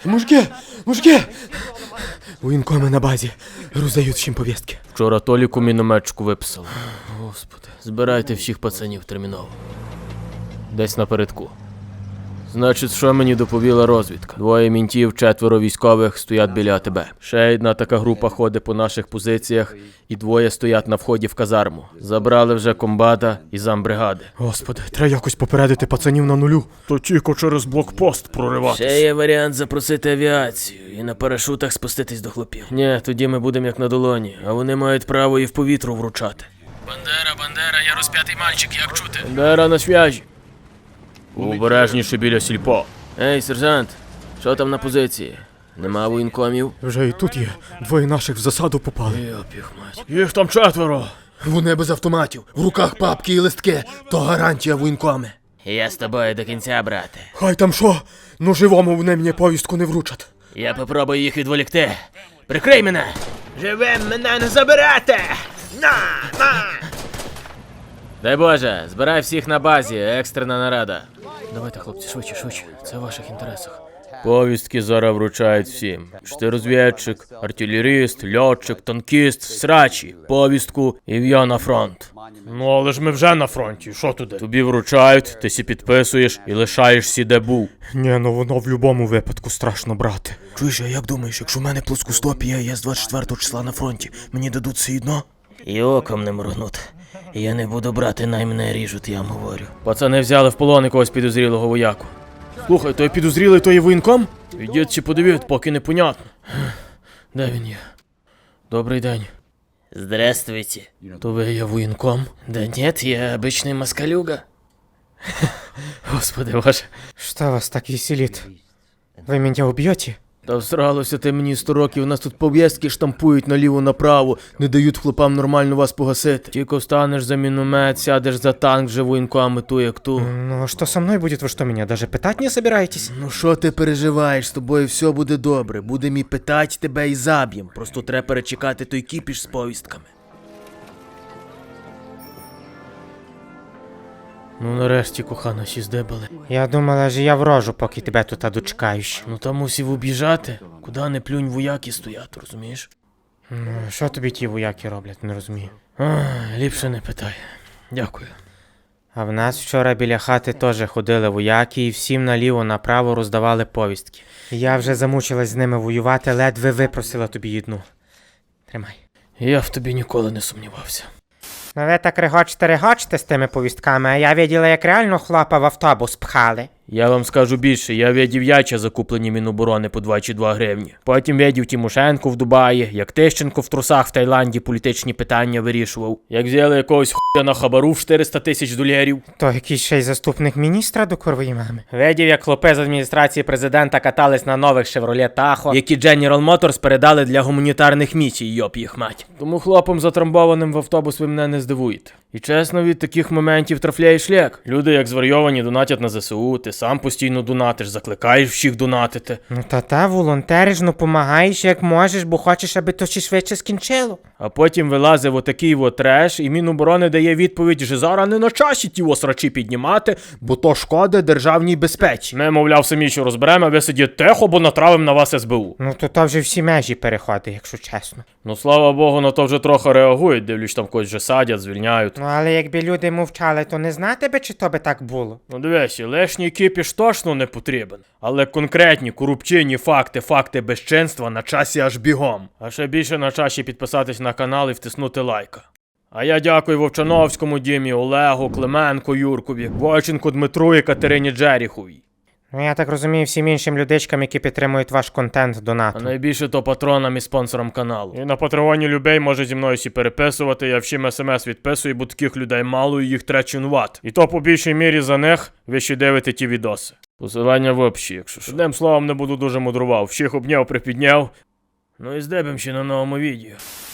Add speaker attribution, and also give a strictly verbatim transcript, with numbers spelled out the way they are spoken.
Speaker 1: Мужики! Мужики! Воєнкоми на базі. Роздають всім повістки.
Speaker 2: Вчора Толіку мінометчику виписали. Господи, збирайте всіх пацанів терміново. Десь напередку. Значить, що мені доповіла розвідка? Двоє мінтів, четверо військових стоять біля АТБ. Ще одна така група ходить по наших позиціях, і двоє стоять на вході в казарму. Забрали вже комбата і замбригади.
Speaker 1: Господи, треба якось попередити пацанів на нулю.
Speaker 3: То тільки через блокпост прориватися.
Speaker 2: Ще є варіант запросити авіацію і на парашутах спуститись до хлопів. Ні, тоді ми будемо як на долоні, а вони мають право і в повітру вручати. Бандера, Бандера, я розп'ятий мальчик, як чути? Бандера на свяжі.
Speaker 3: Обережніше біля сільпо.
Speaker 2: Ей, сержант, що там на позиції? Нема воєнкомів?
Speaker 1: Вже і тут є. Двоє наших в засаду попали.
Speaker 2: Йоп їх мать.
Speaker 3: Їх там четверо.
Speaker 1: Вони без автоматів, в руках папки і листки. То гарантія воєнкоми.
Speaker 2: Я з тобою до кінця, брате.
Speaker 1: Хай там що, ну живому вони мені повістку не вручать.
Speaker 2: Я попробую їх відволікти. Прикрий мене! Живим мене не заберете! На! На! Дай Боже, збирай всіх на базі, екстрена нарада. Давайте, хлопці, швидше, швидше. Це в ваших інтересах. Повістки зараз вручають всім. Чи ти розвідчик, артилеріст, льотчик, танкіст, срачі, повістку і в'я на фронт.
Speaker 3: Ну але ж ми вже на фронті, що туди?
Speaker 2: Тобі вручають, ти сі підписуєш і лишаєшся де був.
Speaker 1: Ні, ну воно в будь-якому випадку страшно брати. Чуєш, а як думаєш, якщо в мене плоскостопія, я з двадцять четвертого числа на фронті, мені дадуть все одно?
Speaker 2: І оком не моргнути. Я не буду брати, най мене ріжуть, я вам говорю. Пацани взяли в полон якогось підозрілого вояку.
Speaker 1: Слухай, той підозрілий, той є воєнком?
Speaker 2: Ідіть чи подивіть, поки непонятно. Де він є? Добрий день. Здравствуйте.
Speaker 1: То ви є воєнком?
Speaker 2: Да нет, я обычный москалюга. Господи боже.
Speaker 1: Что вас так веселит? Ви мене уб'єте?
Speaker 2: Та всралося ти мені сто років, нас тут пов'язки штампують наліво-направо, не дають хлопам нормально вас погасити. Тільки встанеш за міномет, сядеш за танк, вже воєнками ту як ту.
Speaker 1: Ну а что со мной будет? Вы что, меня даже пытать не собираетесь?
Speaker 2: Ну що ти переживаєш, з тобою все буде добре, будемо і питати тебе і заб'єм, просто треба перечекати той кіпіш з повістками. Ну нарешті, кохана, сі здебали.
Speaker 1: Я думала, що я врожу, поки тебе тут дочекаюсь.
Speaker 2: Ну там мусів об'їжджати, куди не плюнь вояки стоять, розумієш?
Speaker 1: Ну, що тобі ті вояки роблять, не розумію.
Speaker 2: Ах, ліпше не питай. Дякую.
Speaker 1: А в нас вчора біля хати теж ходили вояки і всім наліво-направо роздавали повістки. Я вже замучилась з ними воювати, ледве випросила тобі одну. Тримай.
Speaker 2: Я в тобі ніколи не сумнівався.
Speaker 1: Ну ви так регочете-регочете з тими повістками, а я виділа, як реально хлопа в автобус пхали.
Speaker 2: Я вам скажу більше, я видів яйця, закуплені Міноборони по двадцять два гривні. Потім видів Тимошенко в Дубаї, як Тищенко в трусах в Таїланді політичні питання вирішував. Як взяли якогось хуя на хабару в чотириста тисяч доларів.
Speaker 1: То якийсь ще й заступник міністра до курвої мами. Видів, як хлопи з адміністрації президента катались на нових Chevrolet Tahoe,
Speaker 2: Які General Motors передали для гуманітарних місій, йоп їх мать. Тому хлопом затрамбованим в автобус ви мене не здивуєте. І чесно, від таких моментів трафляє шлях. Люди як зварйовані донатять на ЗСУ, ти сам постійно донатиш, закликаєш всіх донатити.
Speaker 1: Ну та-та, волонтериш, ну помагаєш як можеш, бо хочеш, аби то ще швидше скінчило.
Speaker 2: А потім вилазив отакий от треш, і Міноборони дає відповідь, що зараз не на часі ті осрачі піднімати, бо то шкода державній безпеці. Ми, мовляв, самі що розберемо, а ви сидіть тихо, бо натравим на вас ес бе у.
Speaker 1: Ну то то вже всі межі переходить, якщо чесно.
Speaker 2: Ну, слава Богу, на то вже трохи реагують, дивлюсь, там когось вже садять, звільняють.
Speaker 1: Ну але якби люди мовчали, то не знати би, чи то би так було.
Speaker 2: Ну дивись, лишній кіпіш точно не потрібен. Але конкретні корупційні факти, факти безчинства на часі аж бігом. А ще більше на часі підписатись на канал і втиснути лайка. А я дякую Вовчановському Дімі, Олегу, Клименко Юркові, Войченку Дмитру і Катерині Джеріховій.
Speaker 1: Ну я так розумію, всім іншим людичкам, які підтримують ваш контент
Speaker 2: А
Speaker 1: донатом.
Speaker 2: найбільше то патронам і спонсорам каналу.
Speaker 3: І на Патреоні людей може зі мною сі переписувати, я всім смс відписую, бо таких людей мало і їх треба цінувати. І то по більшій мірі за них ви ще дивите ті відоси. Посилання в описі, якщо що. Одним словом, не буду дуже мудрував. Всіх обняв, припідняв.
Speaker 2: Ну і здебем ще на новому відео.